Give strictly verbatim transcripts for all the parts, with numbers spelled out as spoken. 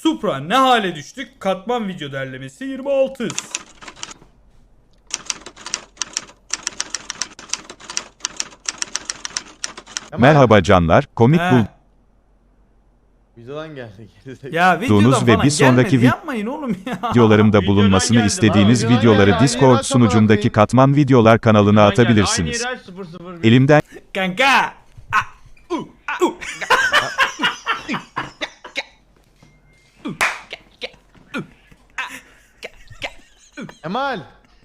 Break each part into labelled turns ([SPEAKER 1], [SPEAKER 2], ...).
[SPEAKER 1] Supra ne hale düştük? Katman video derlemesi yirmi altı.
[SPEAKER 2] Merhaba canlar, komik
[SPEAKER 1] He.
[SPEAKER 3] Videodan geldi.
[SPEAKER 1] Ya videodan
[SPEAKER 2] Bulduğunuz ve
[SPEAKER 1] falan
[SPEAKER 2] bir sonraki
[SPEAKER 1] gelmedi.
[SPEAKER 2] vid-
[SPEAKER 1] Yapmayın oğlum ya.
[SPEAKER 2] videolarımda bulunmasını
[SPEAKER 3] geldi.
[SPEAKER 2] istediğiniz
[SPEAKER 3] Aa, videodan
[SPEAKER 2] videoları
[SPEAKER 3] geldi.
[SPEAKER 2] Discord
[SPEAKER 3] Aynı
[SPEAKER 2] sunucumdaki
[SPEAKER 3] yere
[SPEAKER 2] Katman Videolar kanalına atabilirsiniz. Elimden
[SPEAKER 1] Kanka.
[SPEAKER 3] Kemal.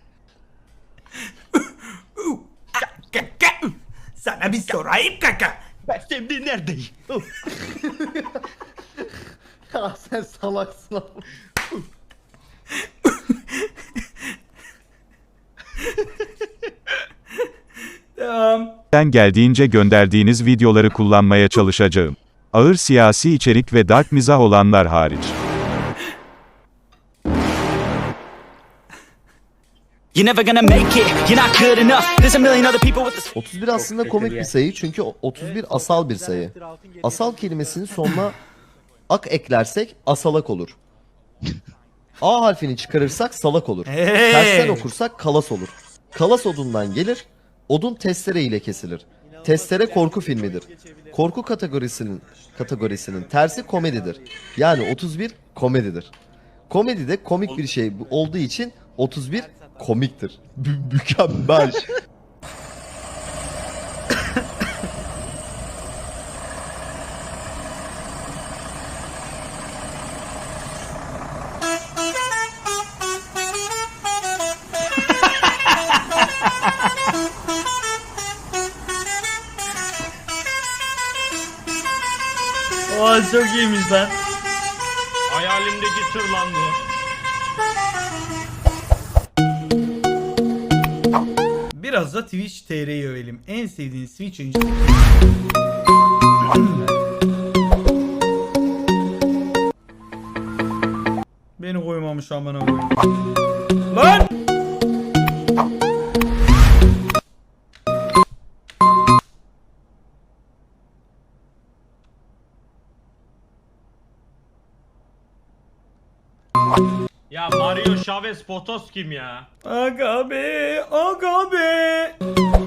[SPEAKER 1] Sana bir sorayım kaka.
[SPEAKER 3] Ben şimdi neredeyim? Ya sen salaksın abi.
[SPEAKER 1] Tamam.
[SPEAKER 2] geldiğince gönderdiğiniz videoları kullanmaya çalışacağım. Ağır siyasi içerik ve dark mizah olanlar hariç.
[SPEAKER 4] You're never gonna make it, you're not good enough. There's a million other people with the
[SPEAKER 5] otuz bir aslında komik bir sayı çünkü otuz bir asal bir sayı. Asal kelimesinin sonuna ak eklersek asalak olur. A harfini çıkarırsak salak olur.
[SPEAKER 1] Hey.
[SPEAKER 5] Tersten okursak kalas olur. Kalas odundan gelir. Odun testere ile kesilir. Testere korku filmidir. Korku kategorisinin kategorisinin tersi komedidir. Yani otuz bir komedidir. Komedide komik bir şey olduğu için otuz bir komiktir. Mü- mükemmel.
[SPEAKER 1] Oha çok iyiymiş lan.
[SPEAKER 3] Hayalimdeki tır lan bu.
[SPEAKER 1] Biraz da Twitch T R'yi övelim. En sevdiğin Twitch oyuncu. Beni koymamış amına koyayım. Lan!
[SPEAKER 3] Ya Mario Chavez Potos kim ya?
[SPEAKER 1] Aga be, aga be.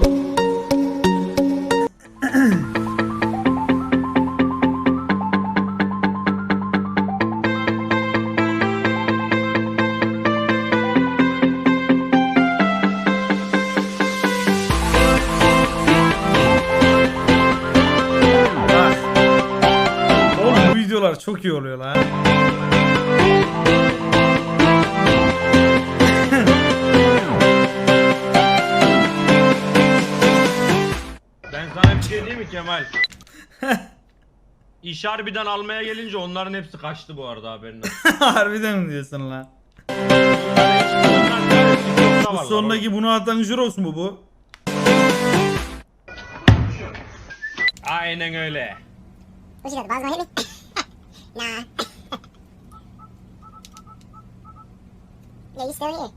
[SPEAKER 1] Bak. Oğlum bu videolar çok iyi oluyor lan.
[SPEAKER 3] Ben sana bir şey diyeyim mi Kemal? İş harbiden almaya gelince onların hepsi kaçtı bu arada haberin olsun.
[SPEAKER 1] Harbiden mi diyorsun lan? Bu sondaki bunu atan Jurox mu bu?
[SPEAKER 3] Aynen öyle.
[SPEAKER 6] What you got, the balls gonna hit me? Nah. Yeah, you still here.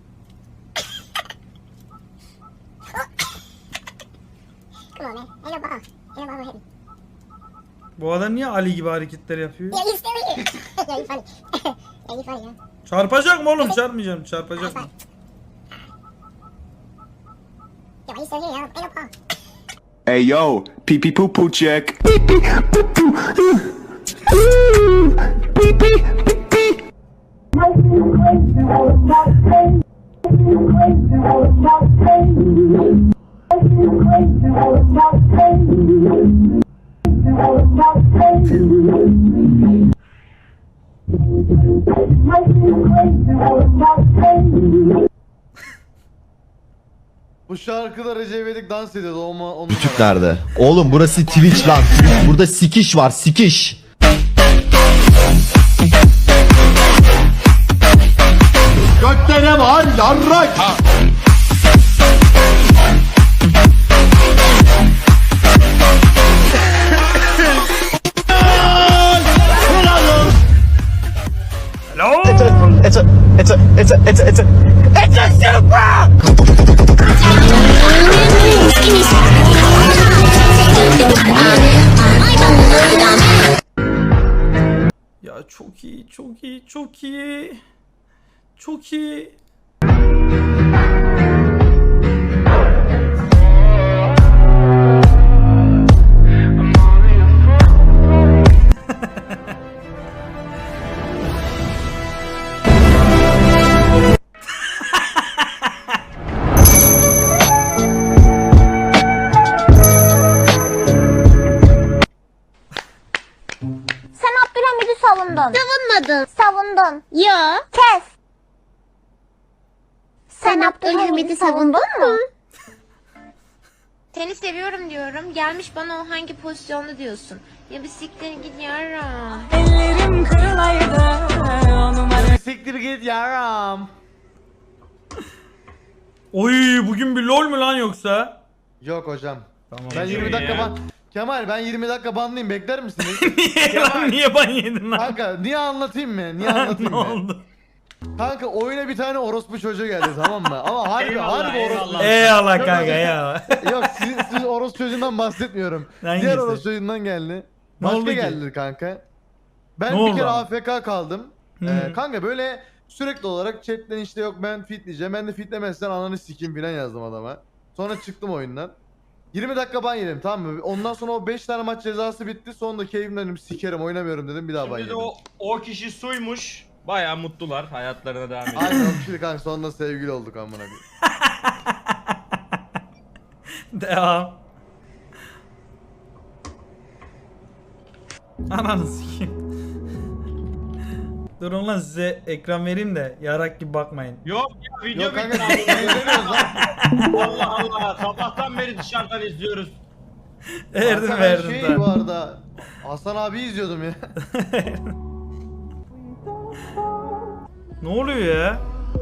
[SPEAKER 6] Come on, man. Ain't no ball. Ain't no ball gonna hit me.
[SPEAKER 1] Bu adam niye Ali gibi hareketler yapıyor?
[SPEAKER 6] Yeah, you still here. Yeah, you funny. Yeah, you funny, man.
[SPEAKER 1] Çarpacak mı oğlum? Çarpmayacağım. Çarpacak mı?
[SPEAKER 6] Yeah, why you still here? Ain't no ball.
[SPEAKER 7] Hey yo, pee pee poo poo check.
[SPEAKER 3] Bu şarkıda Recep İvedik dans ediyordu o onun.
[SPEAKER 5] Küçüklerde. Oğlum burası Twitch lan. Burada sikiş var, sikiş. Gökte ne var? Yarrak.
[SPEAKER 1] Hello?
[SPEAKER 4] It's a, it's a, it's a, it's a, it's a, it's a, it's a Supra!
[SPEAKER 1] Ya çok iyi, çok iyi, çok iyi. Çok iyi.
[SPEAKER 6] Sen Abdülhamid'i savundun. Savunmadın. Savundun. Yo. Kes. Sen Abdülhamid'i savundun mu?
[SPEAKER 8] Seni seviyorum diyorum. Gelmiş bana o hangi pozisyonda diyorsun. Ya bir siktir git yarım.
[SPEAKER 3] Siktir git yaram.
[SPEAKER 1] Oy bugün bir lol mu lan yoksa?
[SPEAKER 3] Yok hocam.
[SPEAKER 1] Tamam.
[SPEAKER 3] Ben yirmi dakika ban... Kemal ben yirmi dakika banlıyım, bekler misiniz?
[SPEAKER 1] Niye lan niye ban yedin lan?
[SPEAKER 3] Kanka niye anlatayım mı? Niye anlatayım
[SPEAKER 1] Ne
[SPEAKER 3] mı?
[SPEAKER 1] oldu?
[SPEAKER 3] Kanka oyuna bir tane orospu çocuğu geldi, tamam mı? Ama harbi harbi orospu.
[SPEAKER 1] Eyvallah kanka eyvallah.
[SPEAKER 3] Yok siz, siz orospu çocuğundan bahsetmiyorum.
[SPEAKER 1] Hangisi?
[SPEAKER 3] Diğer orospu çocuğundan geldi.
[SPEAKER 1] Ne
[SPEAKER 3] Başka
[SPEAKER 1] oldu ki?
[SPEAKER 3] geldi kanka. Ben
[SPEAKER 1] Ne
[SPEAKER 3] bir
[SPEAKER 1] oldu
[SPEAKER 3] kere
[SPEAKER 1] ama?
[SPEAKER 3] A F K kaldım.
[SPEAKER 1] Hı.
[SPEAKER 3] Ee, kanka böyle sürekli olarak chatten işte yok ben fitleyeceğim. Ben de fitlemezsen ananı sikeyim filan yazdım adama. Sonra çıktım oyundan. yirmi dakika ban yedim, tamam mı? Ondan sonra o beş tane maç cezası bitti. Sonunda keyfimden dedim sikerim oynamıyorum dedim, bir daha ban
[SPEAKER 9] Şimdi de
[SPEAKER 3] yedim.
[SPEAKER 9] o, o kişi suymuş. Bayağı mutlular. Hayatlarına devam ediyor.
[SPEAKER 3] Aynen o kişiyle kanka sonunda sevgili olduk amına koyayım.
[SPEAKER 1] Devam. Ananı sikeyim. Durun lan size ekran vereyim de yarak gibi bakmayın.
[SPEAKER 9] Yok ya video
[SPEAKER 3] Yok kanka
[SPEAKER 9] bitti.
[SPEAKER 3] ne izlemiyoruz lan?
[SPEAKER 9] Allah Allah. Sabahtan beri dışarıdan izliyoruz.
[SPEAKER 1] Verdim
[SPEAKER 3] Kanka ben
[SPEAKER 1] verdim
[SPEAKER 3] şey
[SPEAKER 1] tamam.
[SPEAKER 3] bu arada Hasan abi izliyordum ya.
[SPEAKER 1] Ne oluyor ya?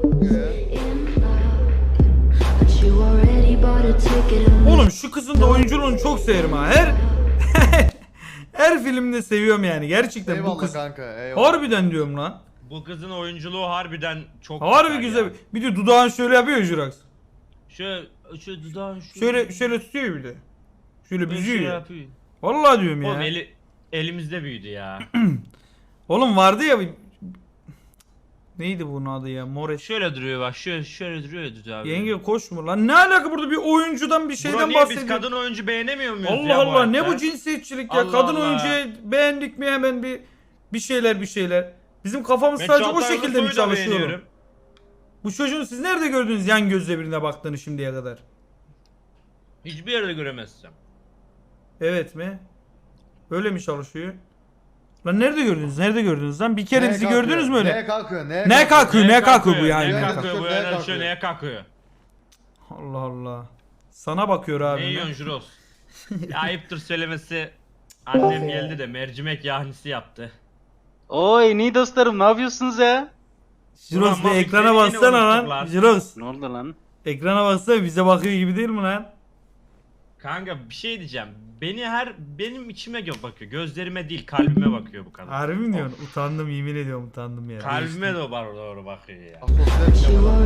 [SPEAKER 1] Oğlum şu kızın da oyunculuğunu çok severim ha. Her her filmde seviyorum yani gerçekten bu
[SPEAKER 3] Eyvallah
[SPEAKER 1] kız.
[SPEAKER 3] kanka, eyvallah.
[SPEAKER 1] Harbiden diyorum lan.
[SPEAKER 9] Bu kızın oyunculuğu harbiden çok
[SPEAKER 1] Harbi güzel.
[SPEAKER 9] ya.
[SPEAKER 1] Bir de dudağını şöyle yapıyor Jurax.
[SPEAKER 9] Şöyle, şöyle dudağın şu.
[SPEAKER 1] Şöyle şöyle tutuyor bir de. Şöyle
[SPEAKER 9] Şöyle
[SPEAKER 1] büzüyor ya.
[SPEAKER 9] yapıyor.
[SPEAKER 1] Vallahi diyorum ya.
[SPEAKER 9] Oğlum eli, elimizde büyüdü ya.
[SPEAKER 1] Oğlum vardı ya bir... Neydi bunun adı ya? Moreş.
[SPEAKER 9] Şöyle duruyor bak. Şöyle şöyle duruyordu abi.
[SPEAKER 1] Yenge koşma lan. Ne alaka burada bir oyuncudan bir
[SPEAKER 9] Bro,
[SPEAKER 1] şeyden
[SPEAKER 9] niye biz
[SPEAKER 1] bahsediyor.
[SPEAKER 9] kadın oyuncu beğenemiyor muyuz
[SPEAKER 1] Allah
[SPEAKER 9] ya bu
[SPEAKER 1] Allah ne
[SPEAKER 9] hayatta?
[SPEAKER 1] bu cinsiyetçilik ya?
[SPEAKER 9] Allah
[SPEAKER 1] Kadın
[SPEAKER 9] Allah.
[SPEAKER 1] oyuncuyu beğendik mi hemen bir bir şeyler bir şeyler. Bizim kafamız
[SPEAKER 9] Ben
[SPEAKER 1] sadece o
[SPEAKER 9] Çağatay
[SPEAKER 1] şekilde mi
[SPEAKER 9] Ulusoy'u da
[SPEAKER 1] çalışıyor?
[SPEAKER 9] beğeniyorum.
[SPEAKER 1] Bu çocuğun siz nerede gördünüz yan gözle birine baktığını şimdiye kadar?
[SPEAKER 9] Hiçbir yerde göremezsem.
[SPEAKER 1] Evet mi? Öyle mi çalışıyor? Lan nerede gördünüz? Nerede gördünüz lan? Bir kere
[SPEAKER 3] Neye
[SPEAKER 1] bizi
[SPEAKER 3] kalkıyor?
[SPEAKER 1] gördünüz mü öyle?
[SPEAKER 3] Neye kalkıyor? Neye,
[SPEAKER 1] Ne kalkıyor? Ne kalkıyor bu yani?
[SPEAKER 9] Ne
[SPEAKER 3] Ne
[SPEAKER 9] kalkıyor
[SPEAKER 3] kalkıyor?
[SPEAKER 9] bu
[SPEAKER 3] Neye
[SPEAKER 9] yani?
[SPEAKER 3] kalkıyor?
[SPEAKER 9] Şöyle neye kalkıyor?
[SPEAKER 1] Allah Allah. Sana bakıyor abi.
[SPEAKER 9] Ne
[SPEAKER 1] ne?
[SPEAKER 9] yiyorsun Juros? Ya ayıptır söylemesi. Annem geldi de mercimek yahnisi yaptı.
[SPEAKER 10] Oy iyi dostlarım ne yapıyorsunuz ya?
[SPEAKER 1] Jirox
[SPEAKER 9] Ulan
[SPEAKER 1] bir
[SPEAKER 9] Mafik
[SPEAKER 1] ekrana
[SPEAKER 9] beni yine
[SPEAKER 1] baksana lan.
[SPEAKER 9] unuttular.
[SPEAKER 1] Jirox
[SPEAKER 10] Ne oldu lan?
[SPEAKER 1] ekrana baksana bize bakıyor gibi değil mi lan?
[SPEAKER 9] Kanka bir şey diyeceğim. Beni her benim içime gö- bakıyor. Gözlerime değil kalbime bakıyor bu kadın.
[SPEAKER 1] Harbi mi diyorsun? Utandım yemin ediyorum utandım ya.
[SPEAKER 9] Kalbime de var doğru bakıyor ya.
[SPEAKER 3] Asosyal Kemal.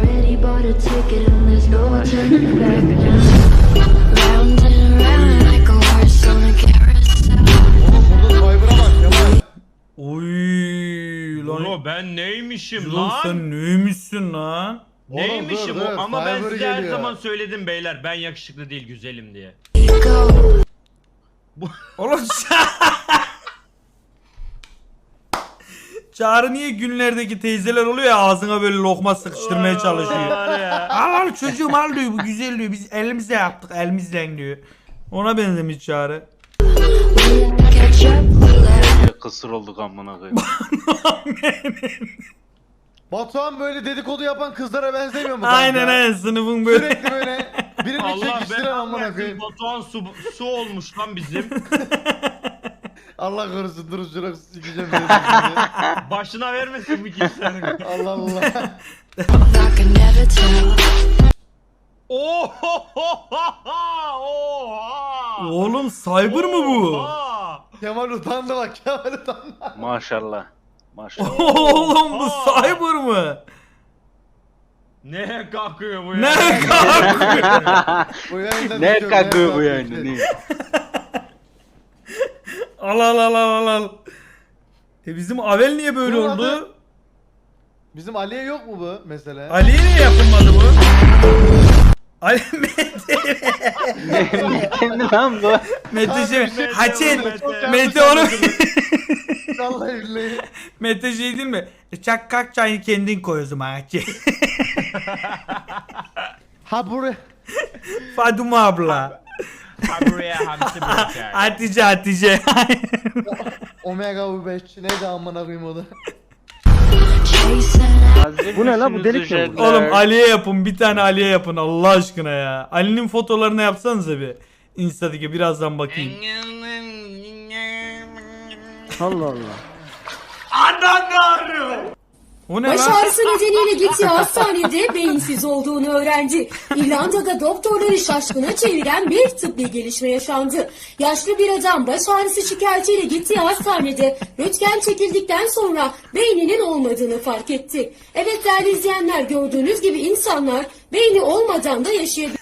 [SPEAKER 3] Oğlum burada Survivor'a bak Kemal.
[SPEAKER 1] Oy lan.
[SPEAKER 9] Bro ben neymişim
[SPEAKER 1] Jirox
[SPEAKER 9] lan?
[SPEAKER 1] sen neymişsin lan?
[SPEAKER 9] Neymişim
[SPEAKER 3] Oğlum dur,
[SPEAKER 9] o?
[SPEAKER 3] dur,
[SPEAKER 9] Ama ben
[SPEAKER 3] Survivor
[SPEAKER 9] size her
[SPEAKER 3] geliyor.
[SPEAKER 9] zaman söyledim beyler. Ben yakışıklı değil güzelim diye.
[SPEAKER 1] Oğlum Çağrı niye günlerdeki teyzeler oluyor ya ağzına böyle lokma sıkıştırmaya çalışıyor.
[SPEAKER 9] Var ya.
[SPEAKER 1] Al al çocuğum al diyor bu güzel diyor biz elimizle yaptık elimizle diyor. Ona benzemiş Çağrı.
[SPEAKER 10] Ya kısır olduk amına koyayım.
[SPEAKER 3] Batuhan böyle dedikodu yapan kızlara benzemiyor mu kanka?
[SPEAKER 1] Aynen aynen sınıfın böyle.
[SPEAKER 3] Sürekli böyle birini
[SPEAKER 9] Allah
[SPEAKER 3] çekiştiren
[SPEAKER 9] ben
[SPEAKER 3] amına
[SPEAKER 9] anlarsın.
[SPEAKER 3] koyayım.
[SPEAKER 9] Batuhan su, su olmuş lan bizim.
[SPEAKER 3] Allah korusun dur şuraya sikeceğim beni şimdi.
[SPEAKER 9] Başına vermesin bir kimsenin.
[SPEAKER 3] Allah Allah.
[SPEAKER 9] Oha! Oha!
[SPEAKER 1] Oğlum cyber mı bu?
[SPEAKER 9] Oha!
[SPEAKER 3] Kemal utandı bak, Kemal utandı.
[SPEAKER 10] Maşallah. Maşallah.
[SPEAKER 1] Oğlum bu
[SPEAKER 9] Oha!
[SPEAKER 1] cyber mı?
[SPEAKER 9] Ne kalkıyor bu ya?
[SPEAKER 1] Ne kalkıyor?
[SPEAKER 3] Bu yayından
[SPEAKER 10] Ne
[SPEAKER 3] düşüyorum,
[SPEAKER 10] kakıyor bu
[SPEAKER 3] ne
[SPEAKER 10] yani?
[SPEAKER 3] kalkıyor?
[SPEAKER 10] Ne?
[SPEAKER 1] Al al al al al. E bizim Avel niye böyle
[SPEAKER 3] Bunun
[SPEAKER 1] oldu?
[SPEAKER 3] adı- Bizim Ali'ye yok mu bu mesela?
[SPEAKER 1] Ali'ye niye yapılmadı bu? Ali Mete.
[SPEAKER 10] Kendi lan bu.
[SPEAKER 1] Mete şey.
[SPEAKER 9] Mete,
[SPEAKER 1] Haçin.
[SPEAKER 9] Mete.
[SPEAKER 1] Mete onu.
[SPEAKER 3] Vallahi billahi.
[SPEAKER 1] Mete şey değil mi? Çak kalk çayını kendin koy o zaman Haçin.
[SPEAKER 3] Ha buraya.
[SPEAKER 1] Faduma abla.
[SPEAKER 9] Ha buraya hamsi bırakar.
[SPEAKER 1] Hatice Hatice.
[SPEAKER 3] Omega U beş neydi amına koyayım o da.
[SPEAKER 10] Bu ne lan bu delik mi?
[SPEAKER 1] Oğlum Ali'ye yapın, bir tane Ali'ye yapın Allah aşkına ya. Ali'nin fotolarını yapsanıza bir. Insta'daki birazdan bakayım.
[SPEAKER 10] Allah Allah.
[SPEAKER 1] O ne
[SPEAKER 11] Baş
[SPEAKER 1] lan?
[SPEAKER 11] ağrısı nedeniyle gittiği hastanede beyinsiz olduğunu öğrendi. İrlanda'da doktorları şaşkına çeviren bir tıbbi gelişme yaşandı. Yaşlı bir adam baş ağrısı şikayetiyle gittiği hastanede röntgen çekildikten sonra beyninin olmadığını fark etti. Evet değerli izleyenler, gördüğünüz gibi insanlar beyni olmadan da yaşayabilir.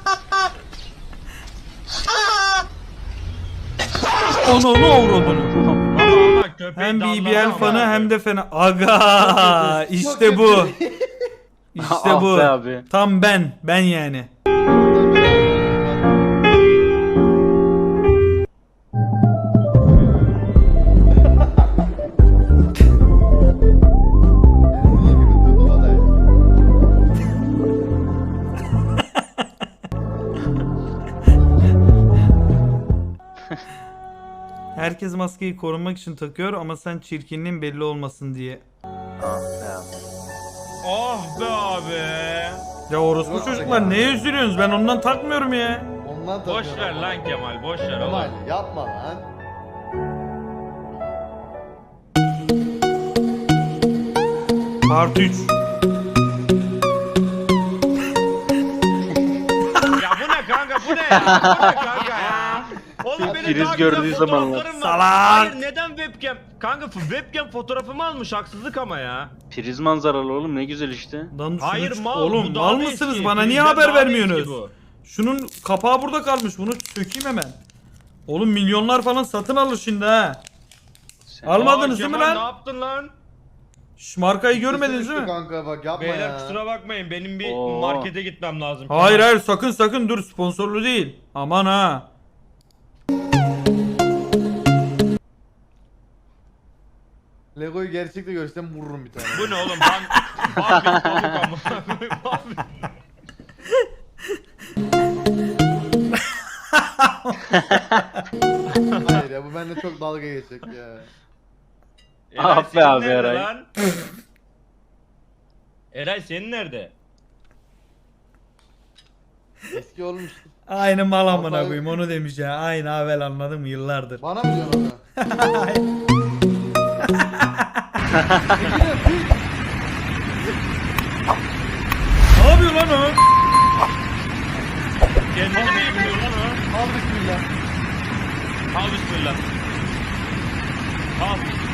[SPEAKER 1] Onu onu avradını.
[SPEAKER 9] Ama ama köpeğin
[SPEAKER 1] Hem
[SPEAKER 9] dallarına
[SPEAKER 1] B B L
[SPEAKER 9] bak
[SPEAKER 1] fanı
[SPEAKER 9] abi.
[SPEAKER 1] hem de fena. Aga işte bu. İşte
[SPEAKER 10] Ah
[SPEAKER 1] bu.
[SPEAKER 10] be abi.
[SPEAKER 1] Tam ben. Ben yani. Herkes maskeyi korunmak için takıyor ama sen çirkinliğin belli olmasın diye.
[SPEAKER 9] Oh be abi.
[SPEAKER 1] Ya orospu çocuklar neye üzülüyorsunuz? Ben ondan takmıyorum ya.
[SPEAKER 3] Ondan
[SPEAKER 9] Boş
[SPEAKER 3] takıyorum
[SPEAKER 9] ver
[SPEAKER 3] ama.
[SPEAKER 9] lan Kemal, boş ver
[SPEAKER 3] Kemal
[SPEAKER 9] oğlum.
[SPEAKER 3] yapma lan.
[SPEAKER 1] Part üç.
[SPEAKER 9] Ya bu ne kanka, bu ne ya? Bu ne kanka ya? Oğlum benim
[SPEAKER 10] Priz
[SPEAKER 9] daha
[SPEAKER 10] gördüğü
[SPEAKER 9] güzel
[SPEAKER 10] zamanlar.
[SPEAKER 9] fotoğraflarım var.
[SPEAKER 1] Salak.
[SPEAKER 9] Hayır neden webcam? Kanka webcam fotoğrafımı almış, haksızlık ama ya.
[SPEAKER 10] Priz manzaralı oğlum ne güzel işte.
[SPEAKER 1] Lan şunu
[SPEAKER 9] Hayır
[SPEAKER 1] ç-
[SPEAKER 9] mal,
[SPEAKER 1] oğlum
[SPEAKER 9] bu daha
[SPEAKER 1] mal
[SPEAKER 9] da
[SPEAKER 1] mısınız?
[SPEAKER 9] eski.
[SPEAKER 1] Bana niye
[SPEAKER 9] Bizden
[SPEAKER 1] haber
[SPEAKER 9] daha da eski
[SPEAKER 1] vermiyorsunuz?
[SPEAKER 9] bu.
[SPEAKER 1] Şunun kapağı burada kalmış. Bunu sökeyim hemen. Oğlum milyonlar falan satın alır şimdi ha. Almadınız
[SPEAKER 9] Aa,
[SPEAKER 1] değil mi
[SPEAKER 9] Kemal,
[SPEAKER 1] lan?
[SPEAKER 9] Ne yaptın lan?
[SPEAKER 1] Şş, markayı görmediniz değil mi?
[SPEAKER 3] Kanka bak yapma
[SPEAKER 9] Beyler
[SPEAKER 3] ya.
[SPEAKER 9] kusura bakmayın, benim bir
[SPEAKER 10] Oo.
[SPEAKER 9] markete gitmem lazım.
[SPEAKER 1] Hayır
[SPEAKER 9] Kemal.
[SPEAKER 1] hayır sakın sakın dur, sponsorlu değil. Aman ha.
[SPEAKER 3] Lego'yu gerçekte görsem vururum bir tane.
[SPEAKER 9] Bu ne oğlum? Ben Barbie olduk ama. Barbie.
[SPEAKER 3] Hayır ya bu bende çok dalga geçecek ya.
[SPEAKER 9] Eray,
[SPEAKER 10] Ah be
[SPEAKER 9] senin
[SPEAKER 10] abi,
[SPEAKER 9] nerede
[SPEAKER 10] Eray.
[SPEAKER 9] lan? Eray senin nerede?
[SPEAKER 3] Eski olmuş.
[SPEAKER 1] Aynı mal amına
[SPEAKER 3] Vallahi-
[SPEAKER 1] koyayım onu demiş ya. Aynı havel anladın mı yıllardır.
[SPEAKER 3] Bana mı diyorsun onu?
[SPEAKER 1] Ne yapıyor lan o?
[SPEAKER 9] Kendini mi yıkıyor lan o?
[SPEAKER 3] Al bismillah.
[SPEAKER 9] Al bismillah. Al.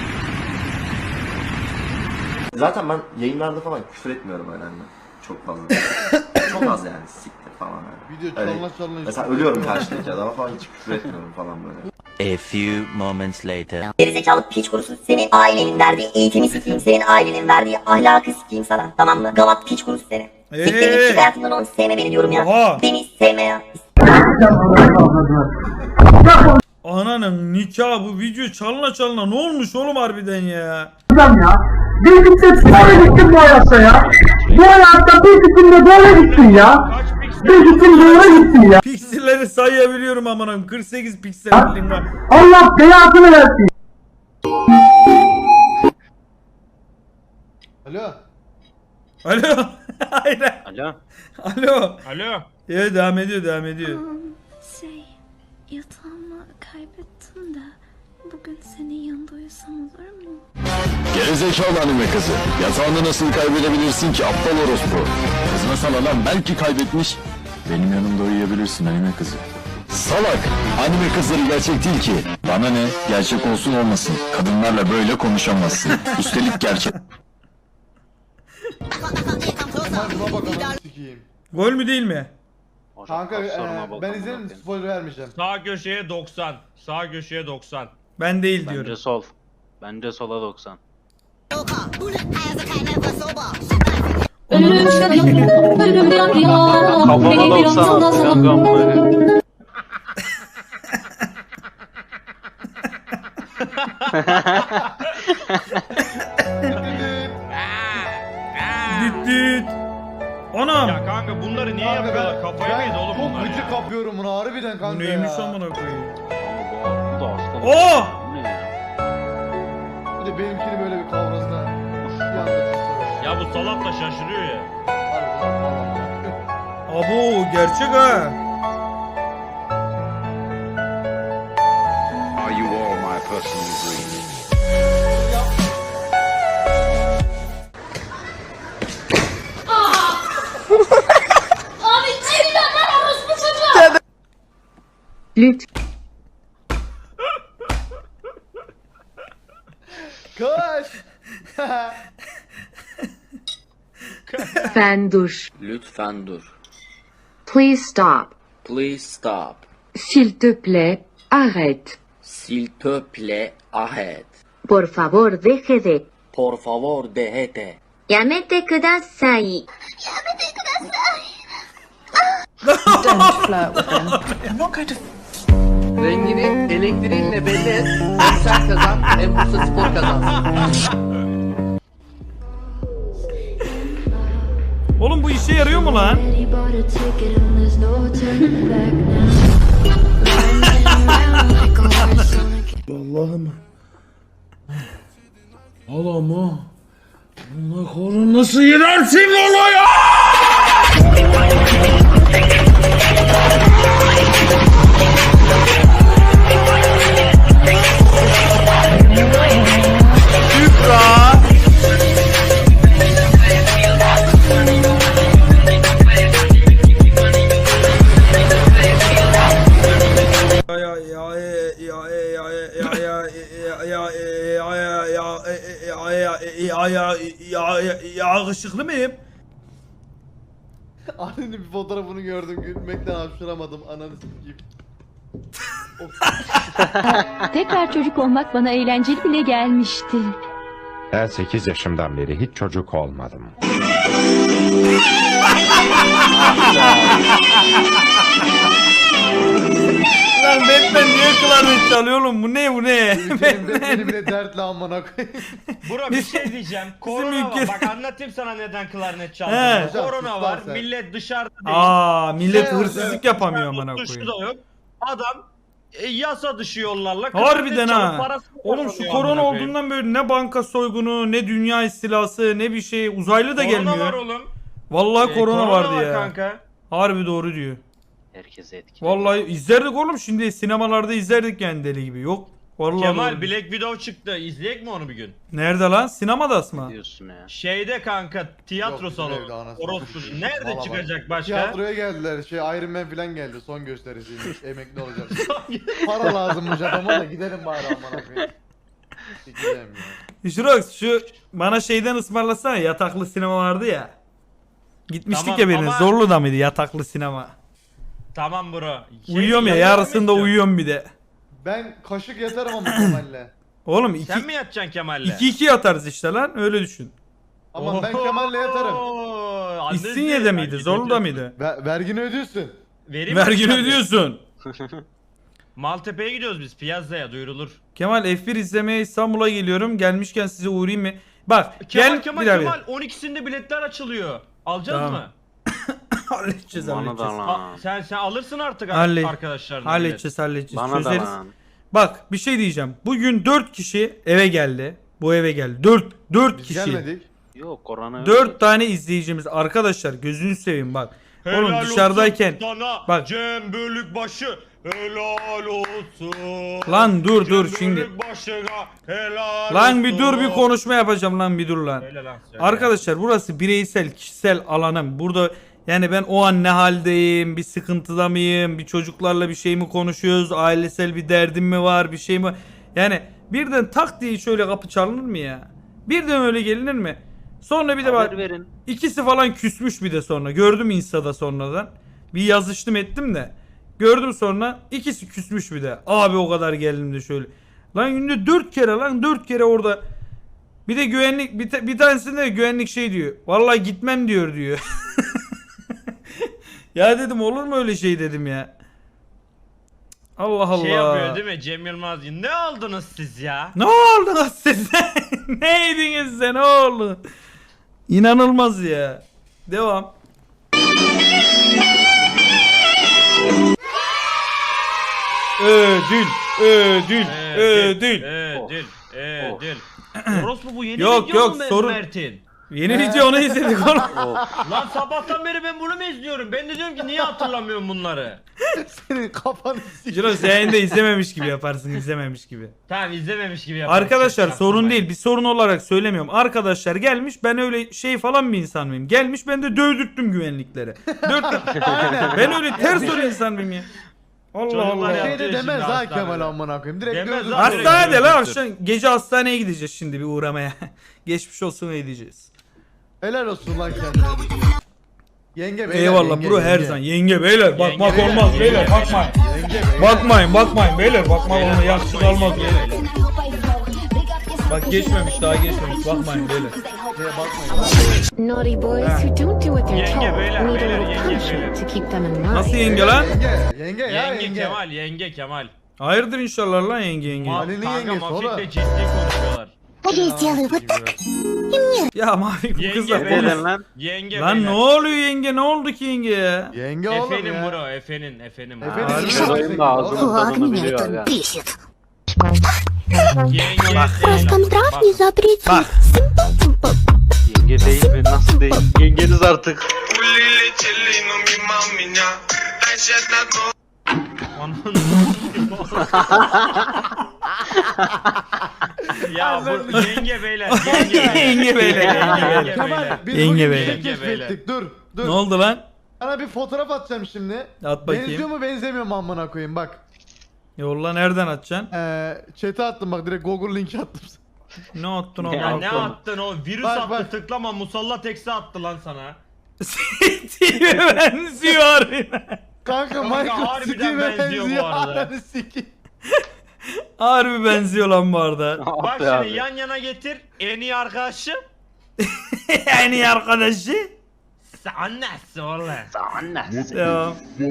[SPEAKER 12] Zaten ben yayınlarda falan küfür etmiyorum öyle hani. Çok fazla. Çok az yani siktir falan yani.
[SPEAKER 3] Video
[SPEAKER 12] Öyle.
[SPEAKER 3] çalma çalma.
[SPEAKER 12] Mesela ölüyorum karşıdaki adama falan hiç küfür etmiyorum falan böyle.
[SPEAKER 4] A few moments later.
[SPEAKER 6] Gerizekalı piç kurusu, senin ailenin verdiği eğitimi sikeyim, senin ailenin verdiği ahlakı sikeyim sana, tamam mı? Gavat piç kurusu seni. Siktir git, çık hayatımdan onu, sevme beni diyorum ya.
[SPEAKER 1] Oha.
[SPEAKER 6] Beni sevme ya.
[SPEAKER 1] Ananın nikahı, bu video çalına çalına ne olmuş oğlum harbiden ya?
[SPEAKER 11] Bir gittim böyle gittim bu hayatta ya. Bu hayatta bir gittim de böyle gittim ya.
[SPEAKER 9] Kaç piksel?
[SPEAKER 11] Bir gittim böyle gittim ya.
[SPEAKER 1] Pikselleri sayabiliyorum amanım. kırk sekiz piksellik var.
[SPEAKER 11] Allah belasını versin.
[SPEAKER 3] Alo.
[SPEAKER 1] Alo. Hayır.
[SPEAKER 10] Alo.
[SPEAKER 1] Alo.
[SPEAKER 9] Alo.
[SPEAKER 1] Evet devam ediyor devam ediyor.
[SPEAKER 8] Şey, yatağımı kaybettim de bugün senin yanında uyusam olur mu?
[SPEAKER 7] Gerizekalı anime kızı. Yatağını nasıl kaybedebilirsin ki aptal orospu? Kızma sana lan belki kaybetmiş. Benim yanımda uyuyabilirsin anime kızı. Salak! Anime kızları gerçek değil ki. Bana ne? Gerçek olsun olmasın. Kadınlarla böyle konuşamazsın. Üstelik gerçek.
[SPEAKER 3] Kemal buna bak ananı sikeyim.
[SPEAKER 1] Gol mü değil mi?
[SPEAKER 3] Kanka
[SPEAKER 10] Sorma
[SPEAKER 3] e,
[SPEAKER 10] bak
[SPEAKER 3] ben
[SPEAKER 10] amına
[SPEAKER 3] izlerim
[SPEAKER 10] koyayım.
[SPEAKER 3] spoiler vermeyeceğim.
[SPEAKER 9] Sağ köşeye doksan. Sağ köşeye doksan.
[SPEAKER 1] Ben değil
[SPEAKER 10] Bence
[SPEAKER 1] diyorum.
[SPEAKER 10] sol. Bence sola doksan. Kafama doksan attı kankam böyle.
[SPEAKER 1] Düt düt. Anam.
[SPEAKER 9] Ya kanka bunları niye
[SPEAKER 3] Kanka
[SPEAKER 9] yapıyorlar?
[SPEAKER 3] ben,
[SPEAKER 9] Kafaya mı yedi oğlum
[SPEAKER 3] çok
[SPEAKER 9] bunlar
[SPEAKER 3] gıcık
[SPEAKER 9] ya?
[SPEAKER 3] kapıyorum bunu harbiden kanka
[SPEAKER 1] Bu
[SPEAKER 3] ya.
[SPEAKER 1] neymiş amına koyayım?
[SPEAKER 10] Bu da hasta.
[SPEAKER 1] Oo!
[SPEAKER 10] Bu ne ya?
[SPEAKER 3] Bir de benimkini böyle bir kavrasına. Bir anda çıkıyor.
[SPEAKER 9] Ya bu salak da şaşırıyor ya.
[SPEAKER 3] Harbiden vallahi.
[SPEAKER 1] Abo gerçek ha.
[SPEAKER 7] Are you all my personal dreams?
[SPEAKER 11] Abi çeviren lan orospu çocuğu.
[SPEAKER 3] Kaç.
[SPEAKER 13] Lütfen dur.
[SPEAKER 7] Lütfen dur.
[SPEAKER 13] Please stop.
[SPEAKER 7] Please stop.
[SPEAKER 13] S'il te plaît, arrête.
[SPEAKER 7] S'il te plaît, arrête.
[SPEAKER 13] Por favor, deje de.
[SPEAKER 7] Por favor, déjate.
[SPEAKER 13] やめてください。
[SPEAKER 10] Rengini elektriğinle belli et. Hem sen kazan hem Bursa Spor kazansın.
[SPEAKER 1] Oğlum bu işe yarıyor mu lan?
[SPEAKER 14] Allah'ım. Allah'ım. Allah koru nasıl yenersin onu ya?
[SPEAKER 1] Ya ya ya ya ya ya ya ya ya ya yakışıklı mıyım?
[SPEAKER 3] Annenin bir fotoğrafını gördüm gülmekten hapşıramadım ananı sikeyim.
[SPEAKER 8] Tekrar çocuk olmak bana eğlenceli bile gelmişti.
[SPEAKER 15] Ben sekiz yaşımdan beri hiç çocuk olmadım.
[SPEAKER 1] Lan Batman niye klarnet çalıyor oğlum? Bu ne bu ne?
[SPEAKER 3] Ülkenin de benim de dertli amına koyayım.
[SPEAKER 9] Bro bir şey diyeceğim. Korona var.
[SPEAKER 1] ülke-
[SPEAKER 9] Bak anlatayım sana neden klarnet
[SPEAKER 1] He.
[SPEAKER 9] çaldığını.
[SPEAKER 3] Hocam,
[SPEAKER 9] Korona
[SPEAKER 3] sus
[SPEAKER 9] var.
[SPEAKER 3] lan sen.
[SPEAKER 9] Millet dışarıda değil.
[SPEAKER 1] Aa millet
[SPEAKER 3] Şey
[SPEAKER 1] hırsızlık
[SPEAKER 3] olacak,
[SPEAKER 1] yapamıyor amına
[SPEAKER 9] Dışarı
[SPEAKER 1] koyayım.
[SPEAKER 9] da yok. Adam e, yasa dışı yollarla
[SPEAKER 1] Harbiden
[SPEAKER 9] klarnet çalıp
[SPEAKER 1] ha.
[SPEAKER 9] parasını
[SPEAKER 1] Oğlum şu
[SPEAKER 9] kazanıyor
[SPEAKER 1] korona
[SPEAKER 9] amına koyayım.
[SPEAKER 1] olduğundan böyle ne banka soygunu, ne dünya istilası, ne bir şey uzaylı da
[SPEAKER 9] Korona
[SPEAKER 1] gelmiyor.
[SPEAKER 9] var oğlum.
[SPEAKER 1] Vallahi
[SPEAKER 9] E,
[SPEAKER 1] korona vardı
[SPEAKER 9] var
[SPEAKER 1] ya.
[SPEAKER 9] kanka.
[SPEAKER 1] Harbi doğru diyor.
[SPEAKER 10] Herkese etkili.
[SPEAKER 1] Vallahi izlerdik oğlum şimdi sinemalarda izlerdik yani deli gibi. Yok. Vallahi
[SPEAKER 9] Kemal
[SPEAKER 1] doğru.
[SPEAKER 9] Black Widow çıktı. İzleyek mi onu bir gün?
[SPEAKER 1] Nerede lan? Sinemada mı?
[SPEAKER 10] Diyorsun ya.
[SPEAKER 9] Şeyde kanka tiyatro
[SPEAKER 3] Yok, bizim evde
[SPEAKER 9] salonu.
[SPEAKER 3] anasını
[SPEAKER 9] Orospu.
[SPEAKER 3] satayım.
[SPEAKER 9] Nerede
[SPEAKER 3] Valla bak.
[SPEAKER 9] çıkacak başka?
[SPEAKER 3] Tiyatroya geldiler şey Iron Man falan geldi son gösterisiymiş emekli olacak. Para lazımmış adama da gidelim bari amına koyayım. Sikeceğim ya.
[SPEAKER 1] Şurox şu bana şeyden ısmarlasana yataklı sinema vardı ya. Gitmiştik
[SPEAKER 9] Tamam,
[SPEAKER 1] ya birine.
[SPEAKER 9] ama-
[SPEAKER 1] Zorlu'da mıydı yataklı sinema?
[SPEAKER 9] Tamam bro. Şey,
[SPEAKER 1] Uyuyorum ya
[SPEAKER 9] yayınlar mı
[SPEAKER 1] yarısında
[SPEAKER 9] istiyorsun?
[SPEAKER 1] uyuyorum bir de.
[SPEAKER 3] Ben kaşık yatarım ama Kemal'le.
[SPEAKER 1] Oğlum iki,
[SPEAKER 9] Sen mi yatacaksın Kemal'le?
[SPEAKER 1] iki iki yatarız işte lan öyle düşün.
[SPEAKER 3] Ama ben Kemal'le yatarım.
[SPEAKER 9] Oo, annesi-
[SPEAKER 1] İstinye'de miydi?
[SPEAKER 9] Belki
[SPEAKER 1] Zorlu'da
[SPEAKER 9] götür-
[SPEAKER 1] mıydı?
[SPEAKER 3] Ver, vergini ödüyorsun.
[SPEAKER 9] Vereyim mi
[SPEAKER 1] Vergini
[SPEAKER 9] sen de?
[SPEAKER 1] ödüyorsun.
[SPEAKER 9] Maltepe'ye gidiyoruz biz. Piyazza'ya duyurulur.
[SPEAKER 1] Kemal F bir izlemeye İstanbul'a geliyorum. Gelmişken size uğrayayım mı? Bak
[SPEAKER 9] Kemal
[SPEAKER 1] gel
[SPEAKER 9] Kemal
[SPEAKER 1] bir daha
[SPEAKER 9] Kemal on ikisinde biletler açılıyor. Alacağız
[SPEAKER 1] Tamam.
[SPEAKER 9] mı?
[SPEAKER 1] halledeceğiz
[SPEAKER 10] Bana
[SPEAKER 1] halledeceğiz.
[SPEAKER 10] da
[SPEAKER 9] A-
[SPEAKER 10] lan.
[SPEAKER 9] sen sen alırsın artık
[SPEAKER 1] Halle-
[SPEAKER 9] arkadaşlarına.
[SPEAKER 1] Halledeceğiz halledeceğiz.
[SPEAKER 10] Bana da
[SPEAKER 1] Çözeriz.
[SPEAKER 10] lan.
[SPEAKER 1] Bak bir şey diyeceğim. Bugün dört kişi eve geldi. Bu eve geldi. dört dört
[SPEAKER 3] Biz
[SPEAKER 1] kişi.
[SPEAKER 3] gelmedik.
[SPEAKER 10] Yok korona yok.
[SPEAKER 1] dört tane izleyicimiz. Arkadaşlar gözünü seveyim bak.
[SPEAKER 9] Helal
[SPEAKER 1] Oğlum dışarıdayken
[SPEAKER 9] olsun sana
[SPEAKER 1] bak.
[SPEAKER 9] Cem Bölükbaşı helal olsun.
[SPEAKER 1] Lan dur,
[SPEAKER 9] Cem
[SPEAKER 1] dur şimdi.
[SPEAKER 9] Bölükbaşı'na helal
[SPEAKER 1] Lan bir dur bir
[SPEAKER 9] olsun.
[SPEAKER 1] konuşma yapacağım lan bir dur lan.
[SPEAKER 9] Söyle lan, söyle.
[SPEAKER 1] Arkadaşlar burası bireysel kişisel alanım. Burada yani ben o an ne haldeyim, bir sıkıntıda mıyım, bir çocuklarla bir şey mi konuşuyoruz, ailesel bir derdim mi var, bir şey mi? Yani birden tak diye şöyle kapı çalınır mı ya? Birden öyle gelinir mi? Sonra bir de bak
[SPEAKER 10] Haber verin.
[SPEAKER 1] ikisi falan küsmüş bir de sonra. Gördüm Insta'da sonradan. Bir yazıştım ettim de. Gördüm sonra ikisi küsmüş bir de. Abi o kadar geldim de şöyle. Lan günde dört kere lan dört kere orada. Bir de güvenlik bir, ta- bir tanesinde de güvenlik şey diyor. Vallahi gitmem diyor diyor. Ya dedim olur mu öyle şey dedim ya. Allah Allah.
[SPEAKER 9] Şey yapıyor değil mi Cem Yılmaz? Ne oldunuz siz ya?
[SPEAKER 1] Ne oldu siz? Neydiniz sen ne oldu? İnanılmaz ya. Devam. Ödül, ödül, ödül.
[SPEAKER 9] Ödül, ödül. Orospu bu yeni
[SPEAKER 1] Yok,
[SPEAKER 9] video
[SPEAKER 1] yok,
[SPEAKER 9] mu
[SPEAKER 1] sorun-
[SPEAKER 9] Mert'in?
[SPEAKER 1] Yeni video onu izledik oğlum.
[SPEAKER 9] Lan sabahtan beri ben bunu mu izliyorum? Ben de diyorum ki niye hatırlamıyorum bunları?
[SPEAKER 3] Senin kafanı
[SPEAKER 1] Ciro sen de izlememiş gibi yaparsın, izlememiş gibi.
[SPEAKER 9] Tamam izlememiş gibi yaparım.
[SPEAKER 1] Arkadaşlar
[SPEAKER 9] Çok
[SPEAKER 1] sorun
[SPEAKER 9] yapmayın.
[SPEAKER 1] değil, bir sorun olarak söylemiyorum. Arkadaşlar gelmiş, ben öyle şey falan bir insan mıyım? Gelmiş ben de dövdürttüm güvenliklere. Dörttüm. Ben öyle ters öyle insan mıyım ya? Allah
[SPEAKER 9] Çocuklar
[SPEAKER 1] Allah.
[SPEAKER 9] yaptı
[SPEAKER 3] Şey de
[SPEAKER 9] şimdi
[SPEAKER 3] demez ha
[SPEAKER 9] hastanede.
[SPEAKER 3] Kemal amına koyayım. Direkt
[SPEAKER 9] Demez
[SPEAKER 3] gözü-
[SPEAKER 9] lan.
[SPEAKER 1] Hastanede lan
[SPEAKER 9] Direkt
[SPEAKER 1] akşam gece hastaneye gideceğiz şimdi bir uğramaya. Geçmiş olsun edeceğiz.
[SPEAKER 3] Helal olsun lan kendine. Yenge beyler.
[SPEAKER 1] Eyvallah
[SPEAKER 3] yenge,
[SPEAKER 1] bro her
[SPEAKER 3] yenge.
[SPEAKER 1] zaman. Yenge beyler bakmak
[SPEAKER 9] beyler,
[SPEAKER 1] olmaz
[SPEAKER 9] yenge
[SPEAKER 1] beyler
[SPEAKER 9] beyler.
[SPEAKER 1] bakmayın.
[SPEAKER 3] Yenge beyler.
[SPEAKER 1] Bakmayın bakmayın beyler bakmak
[SPEAKER 9] Beyler,
[SPEAKER 1] olmaz yakışık
[SPEAKER 9] bakmayın,
[SPEAKER 1] almaz
[SPEAKER 9] beyler.
[SPEAKER 1] beyler. Bak geçmemiş daha geçmemiş bakmayın beyler.
[SPEAKER 13] Naughty boys who don't do what they're
[SPEAKER 9] Yenge
[SPEAKER 13] told
[SPEAKER 9] beyler,
[SPEAKER 13] need a
[SPEAKER 9] beyler,
[SPEAKER 13] little
[SPEAKER 9] yenge
[SPEAKER 13] punishment
[SPEAKER 9] beyler.
[SPEAKER 13] to keep them in line.
[SPEAKER 1] Nasıl yenge lan?
[SPEAKER 3] Yenge. Yenge ya
[SPEAKER 9] Yenge,
[SPEAKER 3] yenge.
[SPEAKER 9] Kemal, yenge Kemal.
[SPEAKER 1] Hayırdır inşallah lan yenge yenge.
[SPEAKER 9] Ma
[SPEAKER 3] Ali'nin
[SPEAKER 9] kanka
[SPEAKER 3] yengesi
[SPEAKER 9] Mafik'le
[SPEAKER 3] oğlum.
[SPEAKER 9] ciddi konuşuyorlar.
[SPEAKER 1] Ya Mavi bu
[SPEAKER 9] Yenge
[SPEAKER 1] kızla
[SPEAKER 9] beyler.
[SPEAKER 1] konuş.
[SPEAKER 9] Yenge
[SPEAKER 1] Lan ne
[SPEAKER 9] beyler.
[SPEAKER 1] oluyor yenge ne oldu ki yenge ya?
[SPEAKER 3] Yenge oğlum
[SPEAKER 9] Efenin
[SPEAKER 3] ya.
[SPEAKER 9] bro, efenin, efenin.
[SPEAKER 3] Efendim,
[SPEAKER 1] Harbi
[SPEAKER 3] yenge
[SPEAKER 1] mi?
[SPEAKER 3] yenge oğlum.
[SPEAKER 13] Флаг меня это бесит.
[SPEAKER 9] Yenge
[SPEAKER 1] Bak.
[SPEAKER 9] değil.
[SPEAKER 1] Bak.
[SPEAKER 14] Yenge değil mi? Nasıl değil? Yengeniz artık.
[SPEAKER 9] Ya bu yenge beyler, yenge beyler.
[SPEAKER 1] Yenge beyler, yenge beyler.
[SPEAKER 3] Kemal biz
[SPEAKER 1] Yenge
[SPEAKER 3] bugün bir
[SPEAKER 1] beyler.
[SPEAKER 3] şey keşfettik. Dur dur.
[SPEAKER 1] Ne oldu lan?
[SPEAKER 3] Sana bir fotoğraf atacağım şimdi.
[SPEAKER 1] At
[SPEAKER 3] Benziyor
[SPEAKER 1] bakayım.
[SPEAKER 3] mu benzemiyor mu amına koyayım bak.
[SPEAKER 1] Yolla nereden atacaksın?
[SPEAKER 3] Eee chat'e attım bak direkt Google linki attım.
[SPEAKER 1] Ne attın oğlum?
[SPEAKER 9] Ya ne attın o? Virüs
[SPEAKER 3] Bak,
[SPEAKER 9] attı
[SPEAKER 3] bak.
[SPEAKER 9] tıklama musallat eksi attı lan sana.
[SPEAKER 1] Steve'e benziyor harbiden.
[SPEAKER 3] Kanka
[SPEAKER 9] Kanka,
[SPEAKER 3] Michael
[SPEAKER 9] harbiden
[SPEAKER 3] Steve'e
[SPEAKER 9] benziyor bu
[SPEAKER 3] benziyor.
[SPEAKER 9] arada.
[SPEAKER 3] Ananı sikeyim.
[SPEAKER 1] Harbi benziyor lan bu arada.
[SPEAKER 9] Bak şimdi yan yana getir. En iyi arkadaşım.
[SPEAKER 1] En iyi arkadaşı.
[SPEAKER 9] Sen nasıl oğlum?
[SPEAKER 1] Devam.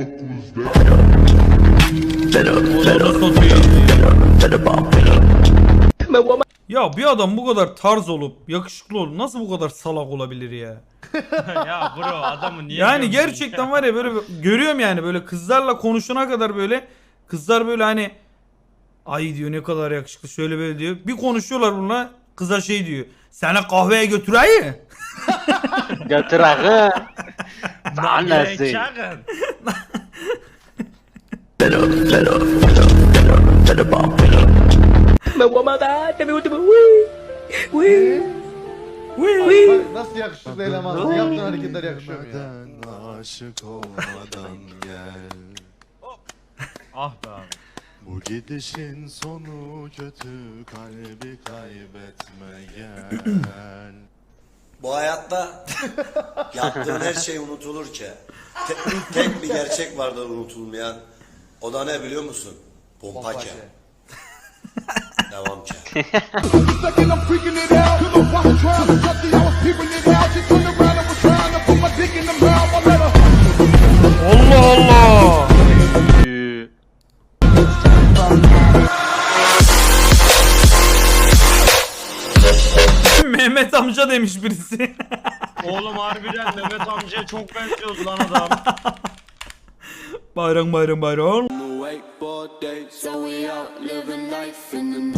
[SPEAKER 1] Ya bir adam bu kadar tarz olup yakışıklı olup nasıl bu kadar salak olabilir ya?
[SPEAKER 9] Ya bro adamı niye
[SPEAKER 1] Yani
[SPEAKER 9] gömdün
[SPEAKER 1] gerçekten
[SPEAKER 9] ya?
[SPEAKER 1] var ya böyle görüyorum yani böyle kızlarla konuşana kadar böyle kızlar böyle hani ay diyor ne kadar yakışıklı şöyle böyle diyor. Bir konuşuyorlar bununla kıza şey diyor. Seni kahveye götüreyim.
[SPEAKER 14] Götür ağı.
[SPEAKER 9] Annesi. Çakın.
[SPEAKER 3] Bak nasıl yakışıklı elemansın. Yaptığın hareketler yakışıyor mu ya?
[SPEAKER 7] Aşık olmadan gel.
[SPEAKER 9] Ah be abi.
[SPEAKER 7] Bu gidişin sonu kötü, kalbi kaybetme gel.
[SPEAKER 12] Bu hayatta yaptığın her şey unutulur ki. Tek, tek bir gerçek vardır unutulmayan. O da ne biliyor musun? Pompaça. Devam ki.
[SPEAKER 1] Allah Allah. Mehmet amca demiş birisi.
[SPEAKER 9] Oğlum harbiden Mehmet amcaya çok benziyoruz lan adam.
[SPEAKER 1] Bayram bayram bayram.
[SPEAKER 16] wakeboard day, so we out living life in the